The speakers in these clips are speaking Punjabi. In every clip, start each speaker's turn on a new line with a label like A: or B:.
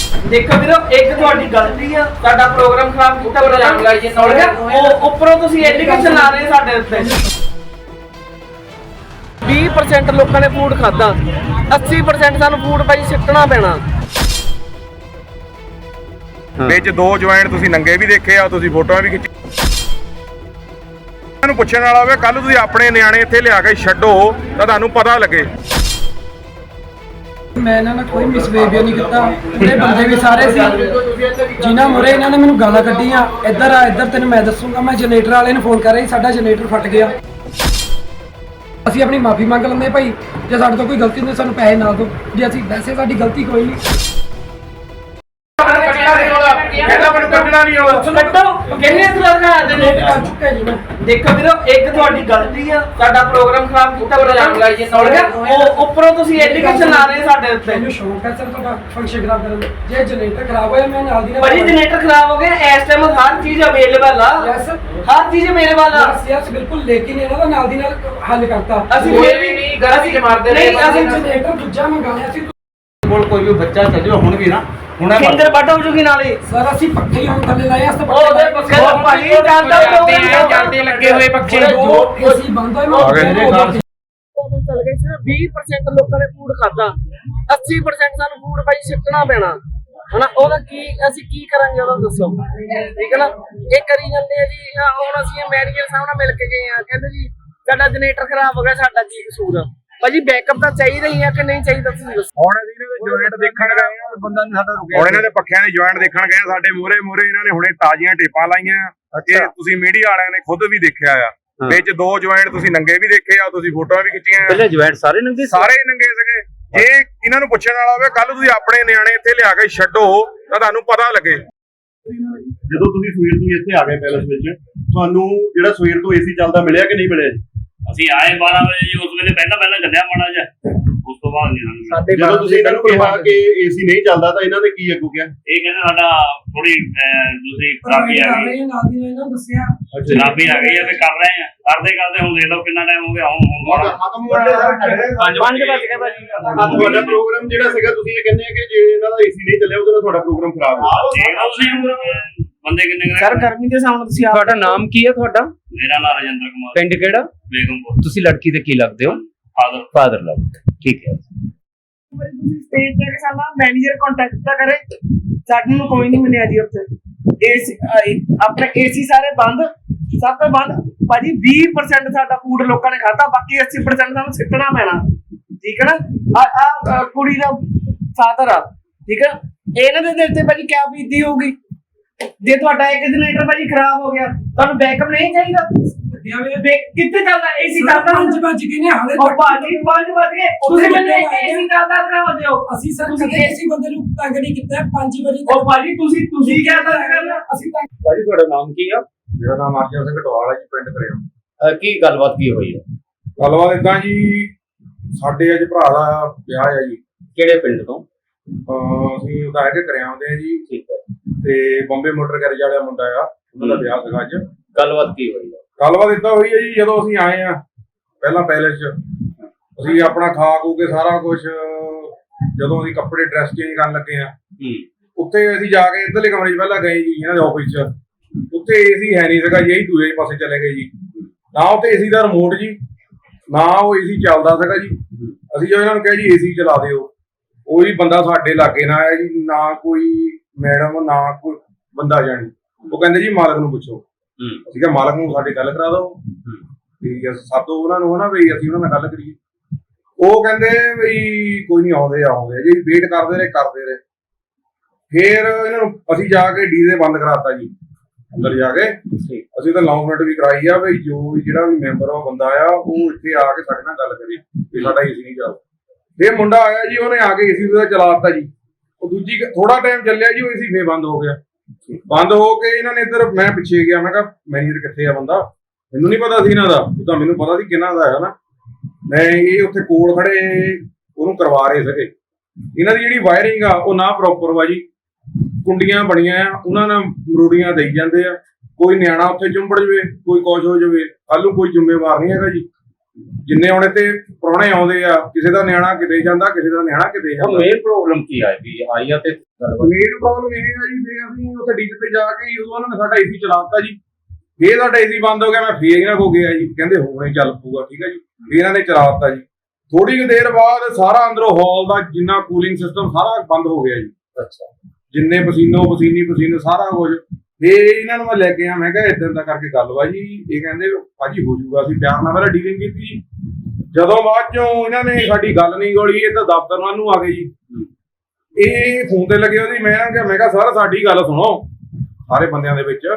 A: ਦੇਖੋ ਵੀਰੋ ਇੱਕ ਤੁਹਾਡੀ ਗਲਤੀ ਆ, ਸਾਡਾ ਪ੍ਰੋਗਰਾਮ ਖਰਾਬ ਕੀਤਾ ਉਹ ਉੱਪਰੋਂ ਤੁਸੀਂ ਐਲੀਗੇਸ਼ਨ ਲਾ ਰਹੇ ਸਾਡੇ ਉੱਤੇ। 20% ਲੋਕਾਂ ਨੇ ਫੂਡ ਖਾਦਾ, 80% ਸਾਨੂੰ ਫੂਡ ਭਾਈ ਸਿੱਟਣਾ ਪੈਣਾ।
B: ਵਿੱਚ 2 ਜੁਆਇੰਟ ਤੁਸੀਂ ਨੰਗੇ ਵੀ ਦੇਖੇ ਆ, ਤੁਸੀਂ ਫੋਟੋਆਂ ਵੀ ਖਿੱਚੀ। ਤੁਹਾਨੂੰ ਪੁੱਛਣ ਵਾਲਾ ਹੋਵੇ ਕੱਲ ਤੁਸੀਂ ਆਪਣੇ ਨਿਆਣੇ ਇੱਥੇ ਲਿਆ ਕੇ ਛੱਡੋ ਤਾਂ ਤੁਹਾਨੂੰ ਪਤਾ ਲੱਗੇ।
C: ਮੈਂ ਇਹਨਾਂ ਨਾਲ ਕੋਈ ਮਿਸਬੀਹੇਵੀਅਰ ਨਹੀਂ ਕੀਤਾ। ਉਹਦੇ ਬੰਦੇ ਵੀ ਸਾਰੇ ਸੀ ਜਿਨ੍ਹਾਂ ਮੁਰੇ ਇਹਨਾਂ ਨੇ ਮੈਨੂੰ ਗਾਲਾਂ ਕੱਢੀਆਂ। ਇੱਧਰ ਆ, ਇੱਧਰ ਤੈਨੂੰ ਮੈਂ ਦੱਸੂਗਾ। ਮੈਂ ਜਨਰੇਟਰ ਵਾਲੇ ਨੂੰ ਫੋਨ ਕਰ ਰਹੀ, ਸਾਡਾ ਜਨਰੇਟਰ ਫਟ ਗਿਆ। ਅਸੀਂ ਆਪਣੀ ਮਾਫੀ ਮੰਗ ਲੈਂਦੇ ਭਾਈ, ਜੇ ਸਾਡੇ ਤੋਂ ਕੋਈ ਗਲਤੀ ਹੁੰਦੀ ਸਾਨੂੰ ਪੈਸੇ ਨਾ ਦਿਓ। ਜੇ ਅਸੀਂ ਵੈਸੇ ਸਾਡੀ ਗਲਤੀ ਕੋਈ ਨਹੀਂ।
A: ਦੇਖੋ ਵੀਰੋ ਇੱਕ ਤੁਹਾਡੀ ਗਲਤੀ ਆ, ਸਾਡਾ ਪ੍ਰੋਗਰਾਮ ਖਰਾਬ ਕੀਤਾ ਉਹ ਉੱਪਰੋਂ ਤੁਸੀਂ ਐਲੀਗੇਸ਼ਨ ਲਾ ਰਹੇ ਸਾਡੇ ਉੱਤੇ।
C: ਮੈਨੂੰ ਸ਼ੌਂਕ ਹੈ ਸਰ ਤੁਹਾਡਾ ਫੰਕਸ਼ਨ ਖਰਾਬ ਕਰਨ ਦਾ। ਜੇ ਜਨਰੇਟਰ ਖਰਾਬ ਹੋਇਆ ਮੈਂ ਨਾਲ ਦੀ ਨਾਲ
A: ਭਾਜੀ ਜਨਰੇਟਰ ਖਰਾਬ ਹੋ ਗਿਆ, ਇਸ ਟਾਈਮ ਹਰ ਚੀਜ਼ ਅਵੇਲੇਬਲ ਆ।
C: ਯੈਸ
A: ਹਰ ਚੀਜ਼ ਅਵੇਲੇਬਲ ਆ।
C: ਯੈਸ ਬਿਲਕੁਲ, ਲੇਕਿਨ ਇਹਨਾਂ ਦਾ ਨਾਲ ਦੀ ਨਾਲ ਹੱਲ ਕਰਤਾ।
A: ਅਸੀਂ ਫਿਰ ਵੀ ਨਹੀਂ ਗਲਤੀ ਮਾਰਦੇ ਰਹੇ।
C: ਅਸੀਂ ਜਨਰੇਟਰ ਦੂਜਾ ਮੰਗਾਇਆ ਸੀ।
D: ਕੋਲ ਕੋਈ ਵੀ ਬੱਚਾ ਚੱਲ ਜਾਓ ਹੁਣ ਵੀ ਨਾ, ਹੁਣ
A: ਖਿੰਦਰ ਵੱਢ ਹੋ ਜੂਗੀ ਨਾਲੇ।
C: ਸਰ ਅਸੀਂ ਪੱਖੇ ਹੀ ਹੁਣ ਥੱਲੇ ਲਾਏ ਅਸ
A: ਉਹਦੇ ਪੱਖੇ ਤੋਂ ਭਾਜੀ
D: ਜਾਂਦੇ ਲੱਗੇ ਹੋਏ ਪੱਖੇ
C: ਏਸੀ ਬੰਦ ਹੋਏ
A: ਚੱਲ ਗਏ ਸੀ। 20% ਲੋਕਾਂ ਨੇ ਫੂਡ ਖਾਦਾ, 80% ਸਾਨੂੰ ਫੂਡ ਭਾਈ ਸਿੱਟਣਾ ਪੈਣਾ ਹਨਾ। ਉਹਦਾ ਕੀ ਅਸੀਂ ਕੀ ਕਰਾਂਗੇ ਉਹਦਾ ਦੱਸੋ, ਠੀਕ ਹੈ ਨਾ। ਇਹ ਕਰੀ ਜਾਂਦੇ ਆ ਜੀ। ਹੁਣ ਅਸੀਂ ਮੈਨੇਜਰ ਸਾਹਿਬ ਨਾਲ ਮਿਲ ਕੇ ਗਏ ਆ, ਕਹਿੰਦੇ ਜੀ ਸਾਡਾ ਜਨਰੇਟਰ ਖਰਾਬ ਹੋ ਗਿਆ, ਸਾਡਾ ਕੀ ਕਸੂਰ ਆ। ਭਾਜੀ ਬੈਕਅਪ ਤਾਂ ਚਾਹੀਦਾ ਹੀ ਆ ਕਿ ਨਹੀਂ ਚਾਹੀਦਾ ਤੁਸੀਂ ਦੱਸੋ।
B: ਹੁਣ ਅਸੀਂ ਇਹਨਾਂ ਦੇ ਜੁਆਇੰਟ ਦੇਖਣ ਗਏ ਆ, ਬੰਦਾ ਨਹੀਂ ਸਾਡਾ ਰੁਕਿਆ। ਹੁਣ ਇਹਨਾਂ ਦੇ ਪੱਖਿਆਂ ਦੇ ਜੁਆਇੰਟ ਦੇਖਣ ਗਏ ਆ, ਸਾਡੇ ਮੂਹਰੇ ਇਹਨਾਂ ਨੇ ਹੁਣੇ ਤਾਜ਼ੀਆਂ ਟੇਪਾਂ ਲਾਈਆਂ। ਇਹ ਤੁਸੀਂ ਮੀਡੀਆ ਵਾਲਿਆਂ ਨੇ ਖੁਦ ਵੀ ਦੇਖਿਆ ਆ। ਵਿੱਚ 2 ਜੁਆਇੰਟ ਤੁਸੀਂ ਨੰਗੇ ਵੀ ਦੇਖੇ ਆ, ਤੁਸੀਂ ਫੋਟੋਆਂ ਵੀ ਖਿੱਚੀਆਂ।
D: ਪਹਿਲੇ ਜੁਆਇੰਟ ਸਾਰੇ ਨੰਗੇ
B: ਸੀਗੇ। ਜੇ ਇਹਨਾਂ ਨੂੰ ਪੁੱਛਣ ਵਾਲਾ ਹੋਵੇ ਕੱਲ ਤੁਸੀਂ ਆਪਣੇ ਨਿਆਣੇ ਇੱਥੇ ਲਿਆ ਕੇ ਛੱਡੋ ਤਾਂ ਤੁਹਾਨੂੰ ਪਤਾ ਲੱਗੇ।
E: ਜਦੋਂ ਤੁਸੀਂ ਸਵੇਰ ਤੋਂ ਇੱਥੇ ਆ ਗਏ ਪੈਲਸ ਵਿੱਚ, ਤੁਹਾਨੂੰ ਜਿਹੜਾ ਸਵੇਰ ਤੋਂ ਏਸੀ ਚੱਲਦਾ ਮਿਲਿਆ ਕਿ ਨਹੀਂ ਮਿਲਿਆ ਜੀ?
F: ਅਸੀਂ ਆਏ 12 ਵਜੇ ਜੀ, ਉਸ ਵੇਲੇ ਪਹਿਲਾਂ ਚੱਲਿਆ ਮਾੜਾ ਜਿਹਾ, ਉਸ ਤੋਂ ਬਾਅਦ ਨਹੀਂ।
E: ਜਦੋਂ ਤੁਸੀਂ ਇਹਨਾਂ ਨੂੰ ਕਿਹਾ ਕਿ ਏਸੀ ਨਹੀਂ ਚੱਲਦਾ ਤਾਂ ਇਹਨਾਂ ਨੇ ਕੀ ਅੱਗੋਂ ਕਿਹਾ?
F: ਇਹ ਕਹਿੰਦੇ ਸਾਡਾ ਥੋੜੀ ਦੂਸਰੀ ਖਰਾਬੀ ਆ ਗਈ,
C: ਨਾਲ ਦੀ ਨਾਲ ਇਹਨਾਂ ਨੂੰ ਦੱਸਿਆ
F: ਖਰਾਬੀ ਆ ਗਈ ਆ ਤੇ ਕਰ ਰਹੇ ਆ, ਕਰਦੇ ਹੁਣ ਦੇਖ ਲਓ ਕਿੰਨਾ ਟਾਈਮ ਹੋ ਗਿਆ। ਹੁਣ 5 ਵਜ ਗਏ ਭਾਜੀ।
E: ਤੁਹਾਡਾ ਪ੍ਰੋਗਰਾਮ ਜਿਹੜਾ ਸੀਗਾ, ਤੁਸੀਂ ਇਹ ਕਹਿੰਦੇ ਆ ਕਿ ਜੇ ਇਹਨਾਂ ਦਾ ਏਸੀ ਨਹੀਂ ਚੱਲਿਆ ਉਹਦੇ ਨਾਲ ਤੁਹਾਡਾ ਪ੍ਰੋਗਰਾਮ ਖਰਾਬ ਹੋ ਗਿਆ।
F: ਬੰਦੇ ਕਿੰਨੇ
A: ਸਰ ਗਰਮੀ ਦੇ ਸਾਹਮਣੇ ਤੁਸੀਂ
D: ਤੁਹਾਡਾ ਨਾਮ ਕੀ ਹੈ? ਤੁਹਾਡਾ?
F: ਮੇਰਾ ਨਾਮ ਰਜਿੰਦਰ ਕੁਮਾਰ,
D: ਪਿੰਡ ਕਿਹੜਾ?
F: ਬੇਗਮਪੁਰ।
D: ਤੁਸੀਂ ਲੜਕੀ ਦੇ ਕੀ ਲੱਗਦੇ ਹੋ? ਫਾਦਰ ਲੱਗਦੇ, ਠੀਕ ਹੈ।
A: ਤੁਸੀਂ ਸਟੇਜ ਤੇ ਸਾਡਾ ਮੈਨੇਜਰ ਕੰਟੈਕਟ ਤਾਂ ਕਰੇ, ਸਾਨੂੰ ਕੋਈ ਨਹੀਂ ਮਿਲਿਆ ਜੀ ਉੱਥੇ। ਏਸੀ ਆਪਣੇ ਏਸੀ ਸਾਰੇ ਬੰਦ, ਸਭ ਤੋਂ ਬੰਦ ਭਾਜੀ। 20% ਸਾਡਾ ਫੂਡ ਲੋਕਾਂ ਨੇ ਖਾਧਾ, ਬਾਕੀ 80% ਸਾਨੂੰ ਸਿੱਟਣਾ ਪੈਣਾ, ਠੀਕ ਹੈ ਨਾ। ਆ ਕੁੜੀ ਦਾ ਫਾਦਰ ਆ, ਠੀਕ ਹੈ। ਇਹਨਾਂ ਦੇ ਦਿਲ ਤੇ ਭਾਜੀ ਕਿਆ ਬੀਤੀ ਹੋਊਗੀ ਜੇ ਤੁਹਾਡਾ ਇੱਕ ਜਨਰੇਟਰ ਭਾਜੀ ਖਰਾਬ ਹੋ ਗਿਆ। ਤੁਹਾਨੂੰ ਬੈਕਅਪ ਨਹੀਂ ਚਾਹੀਦਾ? ਕਿੱਥੇ ਚੱਲਦਾ ਏਸੀ? ਚੱਲਦਾ
C: 5 ਵਜ ਗਏ ਨੇ ਹਾਲੇ
A: ਉਹ ਭਾਜੀ 5 ਵਜ ਗਏ, ਤੁਸੀਂ ਮੈਨੂੰ ਏਸੀ ਚੱਲਦਾ ਕਰਾ ਦਿਓ।
C: ਅਸੀਂ ਸਰ ਕਦੇ ਏਸੀ ਬੰਦੇ ਨੂੰ ਤੰਗ ਨਹੀਂ ਕੀਤਾ। 5 ਵਜੇ
A: ਉਹ ਭਾਜੀ ਤੁਸੀਂ ਕਿਆ ਕਰਨਾ? ਅਸੀਂ ਤਾਂ
D: ਭਾਜੀ ਤੁਹਾਡਾ ਨਾਮ ਕੀ ਆ?
B: ਮੇਰਾ ਨਾਮ ਅਰਜਨ ਸਿੰਘ ਢਵਾਲ ਹੈ ਜੀ, ਪਿੰਡ ਕਰਿਆ।
D: ਕੀ ਗੱਲਬਾਤ ਕੀ ਹੋਈ ਹੈ?
B: ਗੱਲਬਾਤ ਇਦਾਂ ਜੀ, ਸਾਡੇ ਅੱਜ ਭਰਾ ਦਾ ਵਿਆਹ ਹੈ ਜੀ।
D: ਕਿਹੜੇ ਪਿੰਡ ਤੋਂ?
B: ਅਸੀਂ ਉਹਦਾ ਹੈਗੇ ਕਰਿਆ ਆਉਂਦੇ ਆ ਜੀ,
D: ਠੀਕ ਹੈ।
B: ਤੇ ਬੰਬੇ ਮੋਟਰ ਗੈਰੇਜ ਵਾਲਾ ਮੁੰਡਾ ਆ, ਉਹਨਾਂ ਦਾ ਵਿਆਹ ਸੀਗਾ ਅੱਜ।
D: ਗੱਲਬਾਤ ਕੀ ਹੋਈ ਹੈ?
B: ਗੱਲਬਾਤ ਇਦਾਂ ਹੋਈ ਹੈ ਜੀ, ਜਦੋਂ ਅਸੀਂ ਆਏ ਆ ਪਹਿਲਾਂ ਪੈਲੇਸ 'ਚ, ਅਸੀਂ ਆਪਣਾ ਖਾ ਖੂ ਕੇ ਸਾਰਾ ਕੁਝ, ਜਦੋਂ ਅਸੀਂ ਕੱਪੜੇ ਡਰੈਸ ਚੇਂਜ ਕਰਨ ਲੱਗੇ ਆ, ਉੱਥੇ ਅਸੀਂ ਜਾ ਕੇ ਇੱਧਰਲੇ ਕਮਰੇ 'ਚ ਪਹਿਲਾਂ ਗਏ ਜੀ ਇਹਨਾਂ ਦੇ ਆਫਿਸ 'ਚ। ਉੱਥੇ ਏਸੀ ਹੈ ਨਹੀਂ ਸੀਗਾ ਜੀ, ਅਸੀਂ ਦੂਜੇ ਪਾਸੇ ਚਲੇ ਗਏ ਜੀ। ਨਾ ਉੱਥੇ ਏਸੀ ਦਾ ਰਿਮੋਟ ਜੀ, ਨਾ ਉਹ ਏਸੀ ਚੱਲਦਾ ਸੀਗਾ ਜੀ। ਅਸੀਂ ਜਦੋਂ ਇਹਨਾਂ ਨੂੰ ਕਿਹਾ ਜੀ ਏਸੀ ਚਲਾ ਦਿਓ, ਕੋਈ ਬੰਦਾ ਸਾਡੇ ਲਾਗੇ ਨਾ ਆਇਆ ਜੀ, ਨਾ ਕੋਈ ਮੈਡਮ, ਨਾ ਕੋਈ ਬੰਦਾ ਜਾਣੀ। ਉਹ ਕਹਿੰਦੇ ਜੀ ਮਾਲਕ ਨੂੰ ਪੁੱਛੋ। ਅਸੀਂ ਕਿਹਾ ਮਾਲਕ ਨੂੰ ਸਾਡੇ ਗੱਲ ਕਰਾ ਦਿਓ, ਠੀਕ ਹੈ, ਸਾਤੋਂ ਉਹਨਾਂ ਨੂੰ ਹਨਾ ਵੀ ਅਸੀਂ ਉਹਨਾਂ ਨਾਲ ਗੱਲ ਕਰੀਏ। ਉਹ ਕਹਿੰਦੇ ਵੀ ਕੋਈ ਨਹੀਂ, ਆਉਂਦੇ ਜੀ। ਵੇਟ ਕਰਦੇ ਰਹੇ। ਫੇਰ ਇਹਨਾਂ ਨੂੰ ਅਸੀਂ ਜਾ ਕੇ ਡੀਜ਼ੇ ਬੰਦ ਕਰਾਤਾ ਜੀ। ਅੰਦਰ ਜਾ ਕੇ ਅਸੀਂ ਤਾਂ ਅਨਾਉਂਸਮੈਂਟ ਵੀ ਕਰਾਈ ਆ ਵੀ ਜੋ ਵੀ ਜਿਹੜਾ ਵੀ ਮੈਂਬਰ ਆ ਬੰਦਾ ਆ, ਉਹ ਇੱਥੇ ਆ ਕੇ ਸਾਡੇ ਨਾਲ ਗੱਲ ਕਰੇ ਵੀ ਸਾਡਾ ਏਸੀ ਨਹੀਂ ਚੱਲਦਾ। ਫੇਰ ਮੁੰਡਾ ਆਇਆ ਜੀ, ਉਹਨੇ ਆ ਕੇ ਏਸੀ ਉਹਦਾ ਚਲਾ ਦਿੱਤਾ ਜੀ। ਉਹ ਦੂਜੀ ਥੋੜਾ ਟਾਈਮ ਚੱਲਿਆ ਜੀ, ਉਹ ਏਸੀ ਫੇਰ ਬੰਦ ਹੋ ਗਿਆ। ਬੰਦ ਹੋ ਕੇ ਇਹਨਾਂ ਨੇ ਇੱਧਰ, ਮੈਂ ਪਿੱਛੇ ਗਿਆ, ਮੈਂ ਕਿਹਾ ਮੈਨੇਜਰ ਕਿੱਥੇ ਆ ਬੰਦਾ? ਮੈਨੂੰ ਨਹੀਂ ਪਤਾ ਸੀ ਇਹਨਾਂ ਦਾ, ਉਹ ਤਾਂ ਮੈਨੂੰ ਪਤਾ ਸੀ ਕਿਹਨਾਂ ਦਾ ਹੈ ਨਾ। ਮੈਂ ਇਹ ਉੱਥੇ ਕੋਲ ਖੜੇ ਉਹਨੂੰ ਕਰਵਾ ਰਹੇ ਸੀਗੇ। ਇਹਨਾਂ ਦੀ ਜਿਹੜੀ ਵਾਇਰਿੰਗ ਆ ਉਹ ਨਾ ਪ੍ਰੋਪਰ ਵਾ ਜੀ। ਕੁੰਡੀਆਂ ਬਣੀਆਂ ਆ, ਉਹਨਾਂ ਨਾਲ ਮਰੂੜੀਆਂ ਦੇਈ ਜਾਂਦੇ ਆ। ਕੋਈ ਨਿਆਣਾ ਉੱਥੇ ਚੁੰਬੜ ਜਵੇ, ਕੋਈ ਕੁਛ ਹੋ ਜਾਵੇ, ਕੱਲ ਨੂੰ ਕੋਈ ਜ਼ਿੰਮੇਵਾਰ ਨਹੀਂ ਹੈਗਾ ਜੀ। ਜਿੰਨੇ ਹੁਣ ਇੱਥੇ ਪ੍ਰਾਹੁਣੇ ਆਉਂਦੇ ਆ, ਕਿਸੇ ਦਾ ਨਿਆਣਾ ਕਿਤੇ ਜਾਂਦਾ, ਕਿਸੇ ਦਾ ਨਿਆਣਾ ਕਿਤੇ ਜਾਂਦਾ।
D: ਮੇਨ ਪ੍ਰੋਬਲਮ ਕੀ ਆਈ ਵੀ ਆਈ ਆ ਤੇ
B: ਮੇਨ ਪ੍ਰੋਬਲਮ ਇਹ ਆ ਜੀ, ਜੇ ਅਸੀਂ ਉੱਥੇ ਡੀਜੇ ਤੇ ਜਾ ਕੇ ਉਦੋਂ ਉਹਨਾਂ ਨੇ ਸਾਡਾ ਏਸੀ ਚਲਾਤਾ ਜੀ। ਫੇਰ ਸਾਡਾ ਏਸੀ ਬੰਦ ਹੋ ਗਿਆ, ਮੈਂ ਫੇਰ ਇਹਨਾਂ ਕੋ ਗਿਆ ਜੀ, ਕਹਿੰਦੇ ਹੁਣੇ ਚੱਲ ਪਊਗਾ, ਠੀਕ ਹੈ ਜੀ। ਫੇਰ ਇਹਨਾਂ ਨੇ ਚਲਾਤਾ ਜੀ। ਥੋੜੀ ਕੁ ਦੇਰ ਬਾਅਦ ਸਾਰਾ ਅੰਦਰੋਂ ਹਾਲ ਦਾ ਜਿੰਨਾ ਕੂਲਿੰਗ ਸਿਸਟਮ ਸਾਰਾ ਬੰਦ ਹੋ ਗਿਆ ਜੀ।
D: ਅੱਛਾ,
B: ਜਿੰਨੇ ਪਸੀਨੇ ਸਾਰਾ ਕੁਝ। ਫੇਰ ਇਹਨਾਂ ਨੂੰ ਮੈਂ ਲੈ ਕੇ ਆ, ਮੈਂ ਕਿਹਾ ਇਦਾਂ ਦਾ ਕਰਕੇ ਗੱਲ ਵਾ ਜੀ। ਇਹ ਕਹਿੰਦੇ ਭਾਜੀ ਹੋ ਜਾਊਗਾ, ਅਸੀਂ ਪਿਆਰ ਨਾਲ ਪਹਿਲਾਂ ਡੀਲਿੰਗ ਕੀਤੀ। ਜਦੋਂ ਬਾਅਦ ਚੋਂ ਇਹਨਾਂ ਨੇ ਸਾਡੀ ਗੱਲ ਨਹੀਂ ਗੋਲੀ, ਇਹ ਤਾਂ ਦਫ਼ਤਰ ਵੱਲ ਨੂੰ ਆ ਗਏ ਜੀ। ਇਹ ਫੋਨ ਤੇ ਲੱਗੇ ਉਹਦੀ, ਮੈਂ ਕਿਹਾ ਸਰ ਸਾਡੀ ਗੱਲ ਸੁਣੋ ਸਾਰੇ ਬੰਦਿਆਂ ਦੇ ਵਿੱਚ।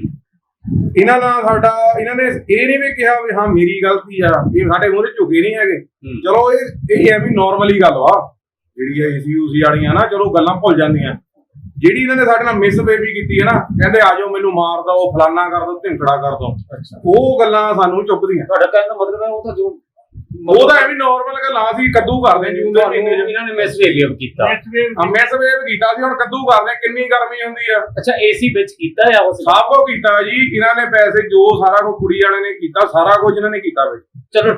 B: ਇਹਨਾਂ ਨੇ ਇਹ ਨਹੀਂ ਵੀ ਕਿਹਾ ਵੀ ਹਾਂ ਮੇਰੀ ਗਲਤੀ ਆ, ਇਹ ਸਾਡੇ ਮੂਹਰੇ ਝੁਕੇ ਨਹੀਂ ਹੈਗੇ। ਚਲੋ ਇਹ ਹੈ ਵੀ ਨਾਰਮਲੀ ਗੱਲ ਵਾ ਜਿਹੜੀ ਏਸੀ ਯੂਸੀ ਵਾਲੀਆਂ ਨਾ, ਚਲੋ ਗੱਲਾਂ ਭੁੱਲ ਜਾਂਦੀਆਂ। ਜਿਹੜੀ ਇਹਨਾਂ ਨੇ ਸਾਡੇ ਨਾਲ ਮਿਸਬਿਹੇਵ ਕੀਤੀ ਹੈ ਨਾ, ਕਹਿੰਦੇ ਆ ਜਾਓ ਮੈਨੂੰ ਮਾਰ ਦੋ, ਫਲਾਨਾ ਕਰ ਦੋ, ਢਿੰਕੜਾ ਕਰ ਦੋ, ਉਹ ਗੱਲਾਂ ਸਾਨੂੰ ਚੁੱਭਦੀਆਂ।
D: ਤੁਹਾਡਾ ਕਹਿਣ ਦਾ ਮਤਲਬ ਹੈ ਉਹ ਤਾਂ ਜੋ
B: ਉਹ ਤਾਂ ਐਵੇਂ ਨਾਰਮਲ ਗੱਲਾਂ ਸੀ, ਕੱਦੂ ਕਰਦੇ ਜੂਨ ਦੇ ਮਹੀਨੇ ਚ
D: ਇਹਨਾਂ ਨੇ ਮਿਸਬਿਹੇਵ ਕੀਤਾ।
B: ਮਿਸਬਿਹੇਵ ਕੀਤਾ ਸੀ, ਹੁਣ ਕੱਦੂ ਕਰਦੇ। ਕਿੰਨੀ ਗਰਮੀ ਹੁੰਦੀ ਆ।
D: ਅੱਛਾ, ਏਸੀ ਵਿੱਚ ਕੀਤਾ ਆ ਉਸ
B: ਸਭ ਕੁਝ ਕੀਤਾ ਜੀ ਇਹਨਾਂ ਨੇ, ਪੈਸੇ ਜੋ ਸਾਰਾ ਕੁਝ ਕੁੜੀ ਵਾਲੇ ਨੇ ਕੀਤਾ, ਸਾਰਾ ਕੁਝ ਇਹਨਾਂ ਨੇ ਕੀਤਾ ਵੇ।
D: ਚਲੋ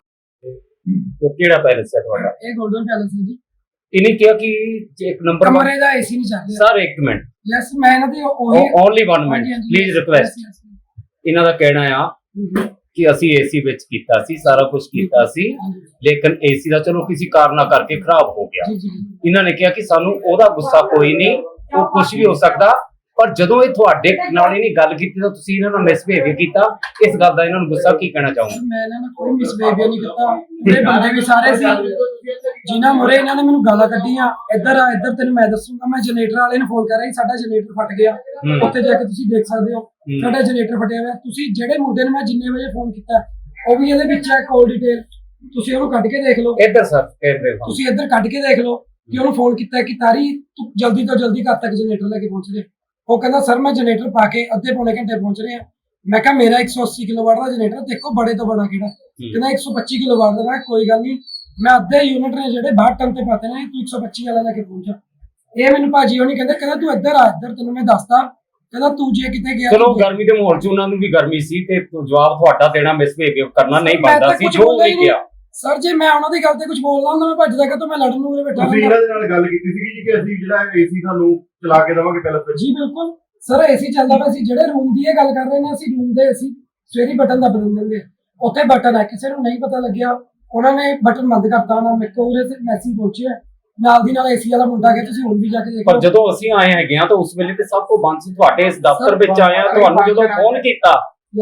D: ਕਿਹੜਾ ਪੈਲਸ ਹੈ ਤੁਹਾਡਾ?
C: ਇਹ ਗੋਲਡਨ ਪੈਲਸ ਹੈ ਜੀ।
D: ਇਹਨੇ ਕਿਹਾ ਕਿ ਇੱਕ ਨੰਬਰ
C: ਕਮਰੇ ਦਾ ਏਸੀ ਨਹੀਂ ਚੱਲ ਰਿਹਾ
D: ਸਰ। ਇੱਕ ਮਿੰਟ,
C: ਯੈਸ, ਮੈਂ ਇਹਨਾਂ ਦੇ ਉਹੀ
D: ਓਨਲੀ 1 ਮਿੰਟ ਪਲੀਜ਼ ਰਿਕੁਐਸਟ। ਇਹਨਾਂ ਦਾ ਕਹਿਣਾ ਆ ਕਿ ਅਸੀਂ ਏਸੀ ਵਿੱਚ ਕੀਤਾ ਸੀ, ਸਾਰਾ ਕੁਝ ਕੀਤਾ ਸੀ, ਲੇਕਿਨ ਏਸੀ ਦਾ ਚਲੋ ਕਿਸੇ ਕਾਰਨਾਂ ਕਰਕੇ ਖਰਾਬ ਹੋ ਗਿਆ। ਇਹਨਾਂ ਨੇ ਕਿਹਾ ਕਿ ਸਾਨੂੰ ਉਹਦਾ ਗੁੱਸਾ ਕੋਈ ਨਹੀਂ, ਉਹ ਕੁਝ ਵੀ ਹੋ ਸਕਦਾ, ਪਰ ਜਦੋਂ ਇਹ ਤੁਹਾਡੇ ਨਾਲ ਇਹਨੇ ਗੱਲ ਕੀਤੀ ਤਾਂ ਤੁਸੀਂ ਇਹਨਾਂ ਨਾਲ ਮਿਸਬਿਹੇਵ ਕੀਤਾ। ਇਸ ਗੱਲ ਦਾ ਇਹਨਾਂ ਨੂੰ ਗੁੱਸਾ ਕੀ ਕਹਿਣਾ ਚਾਹੋਗੇ?
C: ਮੈਂ ਇਹਨਾਂ ਨਾਲ ਕੋਈ ਮਿਸਬਿਹੇਵ ਨਹੀਂ ਕੀਤਾ। ਇਹ ਬੰਦੇ ਵੀ ਸਾਰੇ ਸੀ ਜਿਨ੍ਹਾਂ ਮੁਰੇ ਇਹਨਾਂ ਨੇ ਮੈਨੂੰ ਗਾਲਾਂ ਕੱਢੀਆਂ। ਇੱਧਰ ਆ, ਇੱਧਰ ਤੈਨੂੰ ਮੈਂ ਦੱਸੂਗਾ। ਮੈਂ ਜਨਰੇਟਰ ਵਾਲੇ ਨੂੰ ਫੋਨ ਕਰ ਰਹੀ, ਸਾਡਾ ਜਨਰੇਟਰ ਫਟ ਗਿਆ। ਉੱਥੇ ਜਾ ਕੇ ਤੁਸੀਂ ਦੇਖ ਸਕਦੇ ਹੋ ਸਾਡਾ ਜਨਰੇਟਰ ਫਟਿਆ ਹੋਇਆ। ਤੁਸੀਂ ਜਿਹੜੇ ਮੁੰਡੇ ਨੂੰ ਮੈਂ ਜਿੰਨੇ ਵਜੇ ਫੋਨ ਕੀਤਾ ਉਹ ਵੀ ਇਹਦੇ ਵਿੱਚ ਹੈ ਕਾਲ ਡਿਟੇਲ, ਤੁਸੀਂ ਉਹਨੂੰ ਕੱਢ ਕੇ ਦੇਖ ਲਓ।
D: ਇੱਧਰ ਸਰ ਕੈਮਰੇ
C: ਤੁਸੀਂ ਇੱਧਰ ਕੱਢ ਕੇ ਦੇਖ ਲਓ ਕਿ ਉਹਨੂੰ ਫੋਨ ਕੀਤਾ ਕਿ ਤਾਰੀ ਤੂੰ ਜਲਦੀ ਤੋਂ ਜਲਦੀ ਘਰ ਤੱਕ ਜਨਰੇਟਰ ਲੈ ਕੇ ਪਹੁੰਚ ਦੇ। ਉਹ ਕਹਿੰਦਾ ਸਰ ਮੈਂ ਜਨਰੇਟਰ ਪਾ ਕੇ ਅੱਧੇ ਪੌਣੇ ਘੰਟੇ ਪਹੁੰਚ ਰਿਹਾ। ਮੈਂ ਕਿਹਾ ਮੇਰਾ 180 ਕਿਲੋਵਾਟ ਦਾ ਜਨਰੇਟਰ ਦੇਖੋ ਬੜੇ ਤੋਂ ਬੜਾ ਕਿਹੜਾ। ਕਹਿੰਦਾ 125 ਕਿਲੋਵਾਟ ਦਾ। ਮੈਂ ਕੋਈ ਗੱਲ ਨਹੀਂ, ਮੈਂ ਅੱਧੇ ਯੂਨਿਟ ਨੇ ਜਿਹੜੇ 62 ਟਨ ਤੇ ਪਾਤੇ ਨੇ, ਤੂੰ 125 ਵਾਲਾ ਲੈ ਕੇ ਪਹੁੰਚਾ। ਇਹ ਮੈਨੂੰ ਭਾਜੀ ਉਹ ਨਹੀਂ ਕਹਿੰਦਾ ਤੂੰ ਇੱਧਰ ਆ, ਇੱਧਰ ਤੈਨੂੰ ਮੈਂ ਦੱਸਦਾ। ਕਹਿੰਦਾ ਤੂੰ ਜੇ ਕਿਤੇ ਗਿਆ
D: ਚਲੋ ਗਰਮੀ ਦੇ ਮਾਹੌਲ 'ਚ ਉਹਨਾਂ ਨੂੰ ਵੀ ਗਰਮੀ ਸੀ ਤੇ ਜਵਾਬ ਤੁਹਾਡਾ ਦੇਣਾ ਮਿਸਬਿਹੇਵ ਕਰਨਾ ਨਹੀਂ ਬਣਦਾ ਸੀ ਜੋ ਨਹੀਂ ਗਿਆ।
C: ਸਰ ਜੇ ਮੈਂ ਉਹਨਾਂ ਦੀ ਗੱਲ ਤੇ ਕੁਝ ਬੋਲਦਾ ਹੁੰਦਾ ਮੈਂ ਭੱਜਦਾ ਕਿ ਮੈਂ ਲੜਨ ਨੂੰ ਉਰੇ ਬੈਠਾ
E: ਤੁਸੀਂ ਇਹਨਾਂ ਦੇ ਨਾਲ ਗੱਲ ਕੀਤੀ ਸੀ ਜੀ ਕਿ ਅਸੀਂ ਜਿਹੜਾ ਏਸੀ ਤੁਹਾਨੂੰ ਚਲਾ ਕੇ ਦੇਵਾਂਗੇ ਪੈਲਸ ਵਿੱਚ?
C: ਜੀ ਬਿਲਕੁਲ ਸਰ, ਏਸੀ ਚੱਲਦਾ ਪਿਆ ਸੀ। ਜਿਹੜੇ ਰੂਮ ਦੀ ਇਹ ਗੱਲ ਕਰ ਰਹੇ ਨੇ, ਅਸੀਂ ਰੂਮ ਦੇ ਏਸੀ ਸਵੇਰੀ ਬਟਨ ਦੱਬ ਦਿੰਦੇ। ਉੱਥੇ ਬਟਨ ਹੈ, ਕਿਸੇ ਨੂੰ ਨਹੀਂ ਪਤਾ ਲੱਗਿਆ, ਉਹਨਾਂ ਨੇ ਬਟਨ ਬੰਦ ਕਰਤਾ ਨਾ। ਮੇਰੇ ਕੋਲ ਉਰੇ ਮੈਸੇਜ ਪਹੁੰਚਿਆ ਨਾਲ ਦੀ ਨਾਲ ਏਸੀ ਵਾਲਾ ਮੁੰਡਾ ਗਿਆ, ਤੁਸੀਂ ਹੁਣ ਵੀ ਜਾ ਕੇ ਦੇਖੋ।
D: ਪਰ ਜਦੋਂ ਅਸੀਂ ਆਏ ਹੈਗੇ ਆ ਤਾਂ ਉਸ ਵੇਲੇ ਤੇ ਸਭ ਤੋਂ ਬੰਦ ਸੀ। ਤੁਹਾਡੇ ਇਸ ਦਫ਼ਤਰ ਵਿੱਚ ਆਇਆ, ਤੁਹਾਨੂੰ ਜਦੋਂ ਫੋਨ ਕੀਤਾ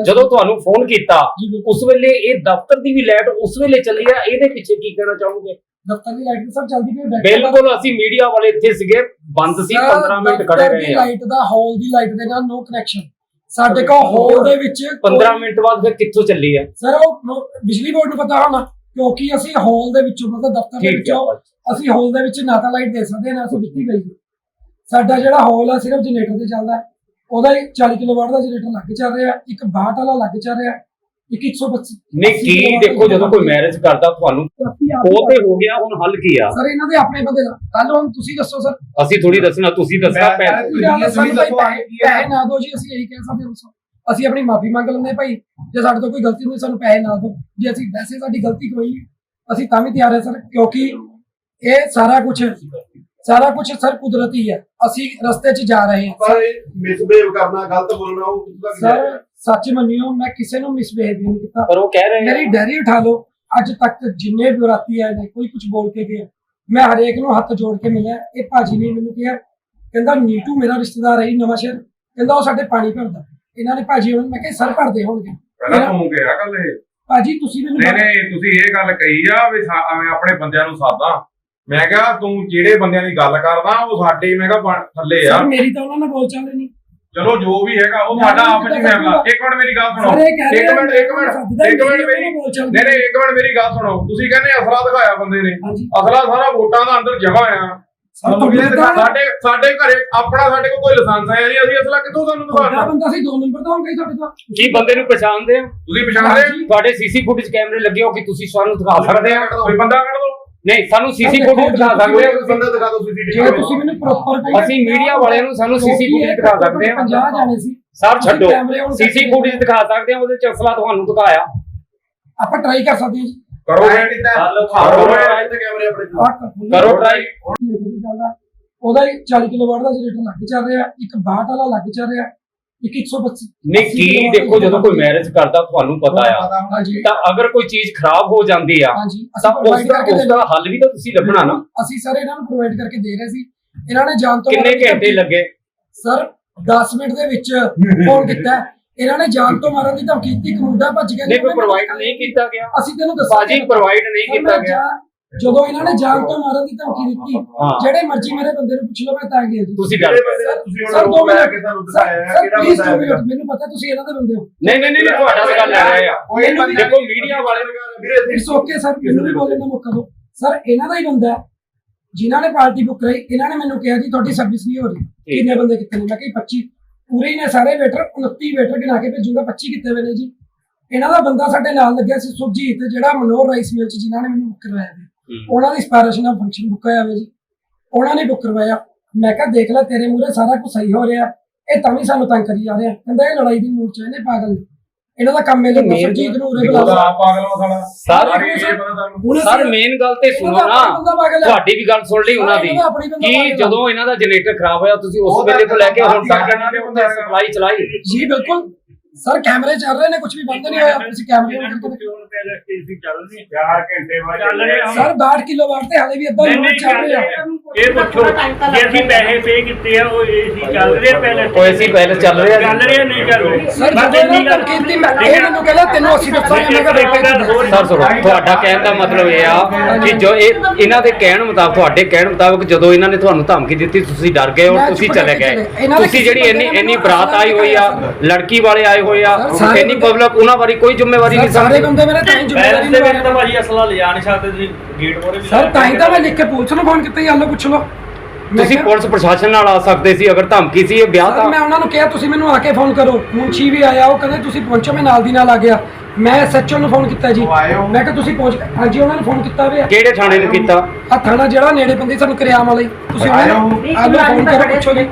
D: ਉਸ ਵੇਲੇ ਇਹ ਦਫ਼ਤਰ ਦੀ ਵੀ ਲਾਈਟ ਉਸ ਵੇਲੇ ਚੱਲੀ ਆ। ਇਹਦੇ ਪਿੱਛੇ ਕੀ ਕਹਿਣਾ ਚਾਹੋਗੇ?
C: ਦਫ਼ਤਰ ਦੀ ਲਾਈਟ ਸਭ ਚੱਲਦੀ ਪਈ।
D: ਬਿਲਕੁਲ, ਅਸੀਂ ਮੀਡੀਆ ਵਾਲੇ ਇੱਥੇ ਸੀਗੇ, ਬੰਦ ਸੀ, 15 ਮਿੰਟ ਖੜੇ ਰਹੇ ਆ।
C: ਲਾਈਟ ਦਾ ਹਾਲ ਦੀ ਲਾਈਟ ਦੇ ਨਾਲ ਨੋ ਕਨੈਕਸ਼ਨ। ਸਾਡੇ ਕੋਲ ਹਾਲ ਦੇ ਵਿੱਚ
D: 15 ਮਿੰਟ ਬਾਅਦ ਫਿਰ ਕਿੱਥੋਂ ਚੱਲੀ ਆ?
C: ਸਰ ਉਹ ਬਿਜਲੀ ਬੋਰਡ ਨੂੰ ਪਤਾ ਹੋਣਾ, ਕਿਉਂਕਿ ਅਸੀਂ ਹਾਲ ਦੇ ਵਿੱਚੋਂ ਮਤਲਬ ਦਫ਼ਤਰ ਦੇ ਵਿੱਚੋਂ ਅਸੀਂ ਹਾਲ ਦੇ ਵਿੱਚ ਨਾ ਤਾਂ ਲਾਈਟ ਦੇ ਸਕਦੇ ਨਾ ਅਸੀਂ ਦਿੱਤੀ ਗਈ। ਸਾਡਾ ਜਿਹੜਾ ਹਾਲ ਆ ਸਿਰਫ ਜਨਰੇਟਰ ਤੇ ਚੱਲਦਾ, ਉਹਦਾ 40 ਕਿਲੋਵਾਟ ਦਾ ਜਨਰੇਟਰ ਲੱਗ ਚੱਲ ਰਿਹਾ, ਇੱਕ 62 ਵਾਲਾ ਲੱਗ ਚੱਲ ਰਿਹਾ, ਇੱਕ 125।
D: ਨਹੀਂ ਕੀ ਦੇਖੋ, ਜਦੋਂ ਕੋਈ ਮੈਰਿਜ ਕਰਦਾ ਤੁਹਾਨੂੰ ਉਹ ਤੇ ਹੋ ਗਿਆ, ਹੁਣ ਹੱਲ ਕੀ ਆ?
C: ਸਰ ਇਹਨਾਂ ਦੇ ਆਪਣੇ ਬੰਦੇ ਦਾ ਕੱਲ ਹੁਣ ਤੁਸੀਂ ਦੱਸੋ ਸਰ।
D: ਅਸੀਂ ਥੋੜੀ ਦੱਸਣਾ, ਤੁਸੀਂ ਦੱਸਣਾ।
C: ਪੈਸੇ ਨਾ ਦਿਓ ਜੀ, ਅਸੀਂ ਇਹੀ ਕਹਿ ਸਕਦੇ ਹਾਂ। ਅਸੀਂ ਆਪਣੀ ਮਾਫੀ ਮੰਗ ਲੈਂਦੇ ਭਾਈ, ਜੇ ਸਾਡੇ ਤੋਂ ਕੋਈ ਗਲਤੀ ਹੋਈ ਸਾਨੂੰ ਪੈਸੇ ਨਾ ਦਿਓ। ਜੇ ਅਸੀਂ ਵੈਸੇ ਸਾਡੀ ਗਲਤੀ ਕੋਈ ਨਹੀਂ, ਅਸੀਂ ਤਾਂ ਵੀ ਤਿਆਰ ਹੈ ਸਰ, ਕਿਉਂਕਿ ਇਹ ਸਾਰਾ ਕੁਝ ਸਰ ਕੁਦਰਤੀ ਹੈ। ਅਸੀਂ ਰਸਤੇ 'ਚ ਜਾ ਰਹੇ ਹਾਂ।
E: ਪਰ ਮਿਸਬਿਹੇਵ ਕਰਨਾ, ਗਲਤ ਬੋਲਣਾ, ਉਹ
C: ਸਰ ਸੱਚ ਮੰਨਿਓ ਮੈਂ ਕਿਸੇ ਨੂੰ ਮਿਸਬਿਹੇਵ ਨਹੀਂ ਕੀਤਾ।
D: ਪਰ ਉਹ ਕਹਿ ਰਹੇ
C: ਮੇਰੀ ਡੈਰੀ ਉਠਾ ਲਓ, ਅੱਜ ਤੱਕ ਜਿੰਨੇ ਵਿਰਾਤੀ ਆਏ ਨੇ ਕੋਈ ਕੁਝ ਬੋਲ ਕੇ ਗਿਆ, ਮੈਂ ਹਰੇਕ ਨੂੰ ਹੱਥ ਜੋੜ ਕੇ ਮਿਲਿਆ। ਇਹ ਭਾਜੀ ਨੇ ਮੈਨੂੰ ਕਿਹਾ, ਕਹਿੰਦਾ ਨੀਟੂ ਮੇਰਾ ਰਿਸ਼ਤੇਦਾਰ ਹੈ ਨਵਾਂ ਸ਼ਹਿਰ, ਕਹਿੰਦਾ ਉਹ ਸਾਡੇ ਪਾਣੀ ਭਰਦਾ। ਇਹਨਾਂ ਨੇ ਭਾਜੀ ਹੁਣ ਮੈਂ ਕਿਹਾ ਸਰ ਭਰਦੇ ਹੋਣਗੇ।
B: ਪਹਿਲਾਂ ਤੂੰ ਕਿਹਾ ਗੱਲ ਇਹ
C: ਭਾਜੀ ਤੁਸੀਂ ਮੈਨੂੰ
B: ਨਹੀਂ ਤੁਸੀਂ ਇਹ ਗੱਲ ਕਹੀ ਆ ਵੀ ਆਪਣੇ ਬੰਦਿਆਂ ਨੂੰ ਸਾਦਾ। ਮੈਂ ਕਿਹਾ ਤੂੰ ਜਿਹੜੇ ਬੰਦਿਆਂ ਦੀ ਗੱਲ ਕਰਦਾ ਉਹ ਸਾਡੇ ਮੈਂ ਕਿਹਾ ਥੱਲੇ ਆ।
C: ਮੇਰੀ ਤਾਂ ਉਹਨਾਂ ਨਾਲ ਬੋਲ ਚੱਲ ਨਹੀਂ।
B: ਚਲੋ ਜੋ ਵੀ ਹੈਗਾ ਉਹ ਸਾਡਾ ਆਪ ਚ ਫੈਸਲਾ। ਇੱਕ ਮਿੰਟ ਮੇਰੀ ਗੱਲ ਸੁਣੋ, ਇੱਕ ਮਿੰਟ ਮੇਰੀ ਗੱਲ ਸੁਣੋ। ਤੁਸੀਂ ਕਹਿੰਦੇ ਅਸਲਾ ਦਿਖਾਇਆ ਬੰਦੇ ਨੇ, ਅਸਲਾ ਸਾਰਾ ਵੋਟਾਂ ਦਾ ਅੰਦਰ ਜਮਾ ਆ। ਸਾਡੇ ਘਰੇ ਆਪਣਾ ਸਾਡੇ ਕੋਲ ਕੋਈ ਲਾਇਸੈਂਸ ਹੈ ਨਹੀਂ, ਅਸੀਂ ਅਸਲਾ ਕਿੱਥੋਂ ਤੁਹਾਨੂੰ ਦਿਖਾਉਣਾ?
C: ਬੰਦਾ ਸੀ 2 ਨੰਬਰ ਦਾ ਹੋਊਗਾ ਤੁਹਾਡੇ ਤੋਂ।
D: ਕੀ ਬੰਦੇ ਨੂੰ ਪਛਾਣਦੇ ਆ?
B: ਤੁਸੀਂ ਪਛਾਣਦੇ
D: ਤੁਹਾਡੇ ਸੀਸੀ ਫੁਟੇਜ ਕੈਮਰੇ ਲੱਗੇ ਹੋ ਕਿ ਤੁਸੀਂ ਸਾਨੂੰ ਦਿਖਾ ਸਕਦੇ ਆ?
B: ਕੋਈ ਬੰਦਾ ਕੱਢ ਦੋ।
D: ਨਹੀਂ, ਸਾਨੂੰ ਸੀਸੀ ਫੁਟੇਜ ਦਿਖਾ ਸਕਦੇ ਆ?
E: ਬੰਦਾ ਦਿਖਾ ਦਿਓ
C: ਜੇ ਤੁਸੀਂ ਮੈਨੂੰ ਪ੍ਰੋਪਰ
D: ਅਸੀਂ ਮੀਡੀਆ ਵਾਲਿਆਂ ਨੂੰ ਸਾਨੂੰ ਸੀਸੀ ਫੁਟੇਜ ਦਿਖਾ ਸਕਦੇ ਆ?
C: 50 ਜਾਣੇ ਸੀ
D: ਸਰ ਛੱਡੋ, ਸੀਸੀ ਫੁਟੇਜ ਦਿਖਾ ਸਕਦੇ ਆ, ਉਹਦੇ ਚ ਅਸਲਾ ਤੁਹਾਨੂੰ ਦਿਖਾਇਆ।
C: ਆਪਾਂ ਟਰਾਈ ਕਰ ਸਕਦੇ ਹਾਂ ਜੀ।
B: ਕਰੋ
D: ਕਰੋ try।
C: ਉਹਦਾ ਹੀ 40 ਕਿਲੋਵਾਟ ਦਾ ਜਨਰੇਟਰ ਲੱਗ ਚੱਲ ਰਿਹਾ, ਇੱਕ 62 ਵਾਲਾ ਲੱਗ ਚੱਲ ਰਿਹਾ, ਇੱਕ 125
D: ਨਹੀਂ ਕੀ ਦੇਖੋ, ਜਦੋਂ ਕੋਈ ਮੈਰਿਜ ਕਰਦਾ ਤੁਹਾਨੂੰ ਪਤਾ ਆ,
C: ਹਾਂਜੀ
D: ਤਾਂ ਅਗਰ ਕੋਈ ਚੀਜ਼ ਖਰਾਬ ਹੋ ਜਾਂਦੀ ਆ
C: ਹਾਂਜੀ
D: ਤਾਂ ਉਸ ਦਾ ਹੱਲ ਵੀ ਤਾਂ ਤੁਸੀਂ ਲੱਭਣਾ ਨਾ।
C: ਅਸੀਂ ਸਰ ਇਹਨਾਂ ਨੂੰ ਪ੍ਰੋਵਾਈਡ ਕਰਕੇ ਦੇ ਰਹੇ ਸੀ, ਇਹਨਾਂ ਨੇ ਜਾਣ ਤੋਂ
D: ਕਿੰਨੇ ਘੰਟੇ ਲੱਗੇ?
C: ਸਰ 10 ਮਿੰਟ ਦੇ ਵਿੱਚ ਫੋਨ ਕੀਤਾ, ਇਹਨਾਂ ਨੇ ਜਾਣ ਤੋਂ ਮਾਰਨ ਦੀ ਧਮਕੀ ਦਿੱਤੀ, ਇੱਕ ਮੁੰਡਾ ਭੱਜ ਗਿਆ।
D: ਨਹੀਂ ਕੋਈ ਪ੍ਰੋਵਾਈਡ ਨਹੀਂ ਕੀਤਾ ਗਿਆ
C: ਅਸੀਂ ਤੈਨੂੰ ਦੱਸਾਂ
D: ਬਾਜੀ, ਪ੍ਰੋਵਾਈਡ ਨਹੀਂ ਕੀਤਾ ਗਿਆ।
C: ਜਦੋਂ ਇਹਨਾਂ ਨੇ ਜਾਣ ਤੋਂ ਮਾਰਨ ਦੀ ਧਮਕੀ ਦਿੱਤੀ, ਜਿਹੜੇ ਮਰਜ਼ੀ ਮੇਰੇ ਬੰਦੇ ਨੂੰ ਪੁੱਛ ਲਓ, ਮੈਂ ਤਾਂ ਗਿਆ ਜੀ।
D: ਤੁਸੀਂ ਡਰ ਗਏ?
E: ਤੁਸੀਂ ਹੁਣ ਰੋਕ ਲੈ ਕੇ ਸਾਨੂੰ ਦਿਖਾਇਆ ਹੈ ਕਿਹੜਾ
C: ਪਲੀਜ਼
E: ਬੰਦਾ ਹੈ।
C: ਮੈਨੂੰ ਪਤਾ ਤੁਸੀਂ ਇਹਨਾਂ ਦੇ ਬੰਦੇ ਹੋ।
D: ਨਹੀਂ ਤੁਹਾਡਾ ਤਾਂ ਗੱਲ ਲੈ ਰਹੇ ਆ। ਦੇਖੋ ਮੀਡੀਆ ਵਾਲੇ
C: ਇਟਸ ਓਕੇ ਸਰ, ਮੈਨੂੰ ਵੀ ਬੋਲਣ ਦਾ ਮੌਕਾ ਦਿਓ। ਸਰ ਇਹਨਾਂ ਦਾ ਹੀ ਬੰਦਾ ਹੈ ਜਿਨ੍ਹਾਂ ਨੇ ਪਾਰਟੀ ਬੁੱਕ ਕਰਾਈ, ਇਹਨਾਂ ਨੇ ਮੈਨੂੰ ਕਿਹਾ ਜੀ ਤੁਹਾਡੀ ਸਰਵਿਸ ਨਹੀਂ ਹੋ ਰਹੀ, ਕਿੰਨੇ ਬੰਦੇ ਕਿੱਥੇ ਨੇ? ਮੈਂ ਕਿਹਾ 25 ਪੂਰੇ ਹੀ ਨੇ ਸਾਰੇ ਵੇਟਰ, 29 ਵੇਟਰ ਗਿਣਾ ਕੇ ਭੇਜੂਗਾ, 25 ਕਿੱਥੇ ਹੋਏ ਨੇ ਜੀ? ਇਹਨਾਂ ਦਾ ਬੰਦਾ ਸਾਡੇ ਨਾਲ ਲੱਗਿਆ ਸੀ ਸੁਰਜੀਤ, ਜਿਹੜਾ ਮਨੋਹਰ ਰਾਈਸ ਮਿਲ ਚ ਜਿਨ੍ਹਾਂ ਨੇ ਮੈਨੂੰ ਬੁੱਕ ਕਰਵਾਇਆ ਸੀ, ਉਹਨਾਂ ਦੀ ਸਪੈਰੇਸ਼ਨ ਦਾ ਫੰਕਸ਼ਨ ਬੁੱਕ ਹੋਇਆ ਹੋਇਆ ਜੀ, ਉਹਨਾਂ ਨੇ ਬੁੱਕ ਕਰਵਾਇਆ। ਮੈਂ ਕਿਹਾ ਦੇਖ ਲੈ ਤੇਰੇ ਮੂਹਰੇ ਸਾਰਾ ਕੁਝ ਸਹੀ ਹੋ ਰਿਹਾ, ਇਹ ਤਾਂ ਵੀ ਸਾਨੂੰ ਤੰਗ ਕਰੀ ਜਾ ਰਿਹਾ। ਕਹਿੰਦਾ ਇਹ ਲੜਾਈ ਦੀ ਮੂਡ ਚ ਇਹਨੇ ਪਾਗਲ ਨੇ, ਇਹਨਾਂ ਦਾ ਕੰਮ ਇਹ ਲੱਗਦਾ ਸੁਰਜੀਤ ਨੂੰ ਉਰੇ ਬੁਲਾ
B: ਆਪ ਪਾਗਲ ਵਾ ਸਾਲਾ।
D: ਸਰ ਮੇਨ ਗੱਲ ਤੇ ਸੁਣੋ ਨਾ, ਤੁਹਾਡੀ ਵੀ ਗੱਲ ਸੁਣ ਲਈ ਉਹਨਾਂ ਦੀ ਕਿ ਜਦੋਂ ਇਹਨਾਂ ਦਾ ਜਨਰੇਟਰ ਖਰਾਬ ਹੋਇਆ ਤੁਸੀਂ ਉਸ ਵੇਲੇ ਤੋਂ ਲੈ ਕੇ ਹੁਣ ਤੱਕ ਇਹਨਾਂ ਦੇ ਉੱਤੇ ਸਪਲਾਈ ਚਲਾਈ?
C: ਜੀ ਬਿਲਕੁਲ ਸਰ, ਕੈਮਰੇ ਚੱਲ ਰਹੇ ਨੇ, ਕੁਝ ਵੀ ਬੰਦ ਨਹੀਂ ਹੋਇਆ। ਤੁਸੀਂ ਕੈਮਰੇ ਔਨ ਕਰਕੇ ਦੇਖੋ ਸਰ 62 ਕਿਲੋਵਾਟ ਤੇ ਹਾਲੇ ਵੀ ਅੱਧਾ ਯੂਨਿਟ ਚੱਲ ਰਿਹਾ।
F: ਇਹ ਪੁੱਛੋ ਜੇ ਅਸੀਂ ਪੈਸੇ ਪੇ ਕੀਤੇ ਆ ਉਹ ਏਸੀ ਚੱਲ ਰਿਹਾ ਪਹਿਲੇ
D: ਉਹ ਏਸੀ ਪਹਿਲੇ ਚੱਲ ਰਿਹਾ
F: ਨਹੀਂ ਚੱਲ ਰਿਹਾ
C: ਸਰ ਜਦੋਂ ਇਹਨਾਂ ਨੇ ਕੀਤੀ, ਮੈਂ ਇਹ ਮੈਨੂੰ ਕਹਿੰਦਾ ਤੈਨੂੰ ਅਸੀਂ ਦੱਸਾਂਗੇ। ਮੈਂ ਕਿਹਾ
D: ਸਰ ਸੁਣੋ, ਤੁਹਾਡਾ ਕਹਿਣ ਦਾ ਮਤਲਬ ਇਹ ਆ ਕਿ ਜੋ ਇਹਨਾਂ ਦੇ ਕਹਿਣ ਮੁਤਾਬਕ, ਤੁਹਾਡੇ ਕਹਿਣ ਮੁਤਾਬਕ ਜਦੋਂ ਇਹਨਾਂ ਨੇ ਤੁਹਾਨੂੰ ਧਮਕੀ ਦਿੱਤੀ ਤੁਸੀਂ ਡਰ ਗਏ ਔਰ ਤੁਸੀਂ ਚਲੇ ਗਏ। ਤੁਸੀਂ ਜਿਹੜੀ ਇੰਨੀ ਬਰਾਤ ਆਈ ਹੋਈ ਆ, ਲੜਕੀ ਵਾਲੇ ਆਏ ਹੋਏ ਆ, ਇੰਨੀ ਪਬਲਿਕ, ਉਹਨਾਂ ਬਾਰੇ ਕੋਈ ਜ਼ਿੰਮੇਵਾਰੀ ਨਹੀਂ
C: ਸਾਰੇ ਬੰਦੇ ਮੇਰੇ ਤਾਂ ਹੀ ਜ਼ਿੰਮੇਵਾਰੀ ਨਹੀਂ
F: ਤਾਂ ਭਾਜੀ ਅਸਲਾ ਲਿਜਾ ਨਹੀਂ ਸਕਦੇ ਤੁਸੀਂ ਗੇਟ ਮੋਰੇ ਵੀ
C: ਸਰ, ਤਾਂ ਹੀ ਤਾਂ ਮੈਂ ਲਿਖ ਕੇ ਪੁਲਿਸ ਨੂੰ ਫੋਨ ਕੀਤਾ ਹੀ, ਆਲੋ ਪੁੱਛ ਲਓ।
D: ਤੁਸੀਂ ਪੁਲਿਸ ਪ੍ਰਸ਼ਾਸਨ ਨਾਲ ਆ ਸਕਦੇ ਸੀ ਅਗਰ ਧਮਕੀ ਸੀ ਇਹ ਵਿਆਹ ਤਾਂ।
C: ਮੈਂ ਉਹਨਾਂ ਨੂੰ ਕਿਹਾ ਤੁਸੀਂ ਮੈਨੂੰ ਆ ਕੇ ਫੋਨ ਕਰੋ, ਮੁੰਸ਼ੀ ਵੀ ਆਇਆ, ਉਹ ਕਹਿੰਦੇ ਤੁਸੀਂ ਪਹੁੰਚੋ, ਮੈਂ ਨਾਲ ਦੀ ਨਾਲ ਆ ਗਿਆ। ਮੈਂ ਐਸਐਚਓ ਨੂੰ ਫੋਨ ਕੀਤਾ ਜੀ, ਮੈਂ ਕਿਹਾ ਤੁਸੀਂ ਪਹੁੰਚ, ਹਾਂਜੀ ਉਹਨਾਂ ਨੇ ਫੋਨ ਕੀਤਾ ਵੇ।
D: ਕਿਹੜੇ ਥਾਣੇ ਨੂੰ ਕੀਤਾ?
C: ਆ ਥਾਣਾ ਜਿਹੜਾ ਨੇੜੇ ਪੈਂਦੀ ਸਾਨੂੰ ਕਰਿਆਮ ਵਾਲੀ, ਤੁਸੀਂ ਉਹਨਾਂ ਨੂੰ ਆਲੋ ਫੋਨ ਕਰੋ, ਪੁੱਛੋ ਜੀ।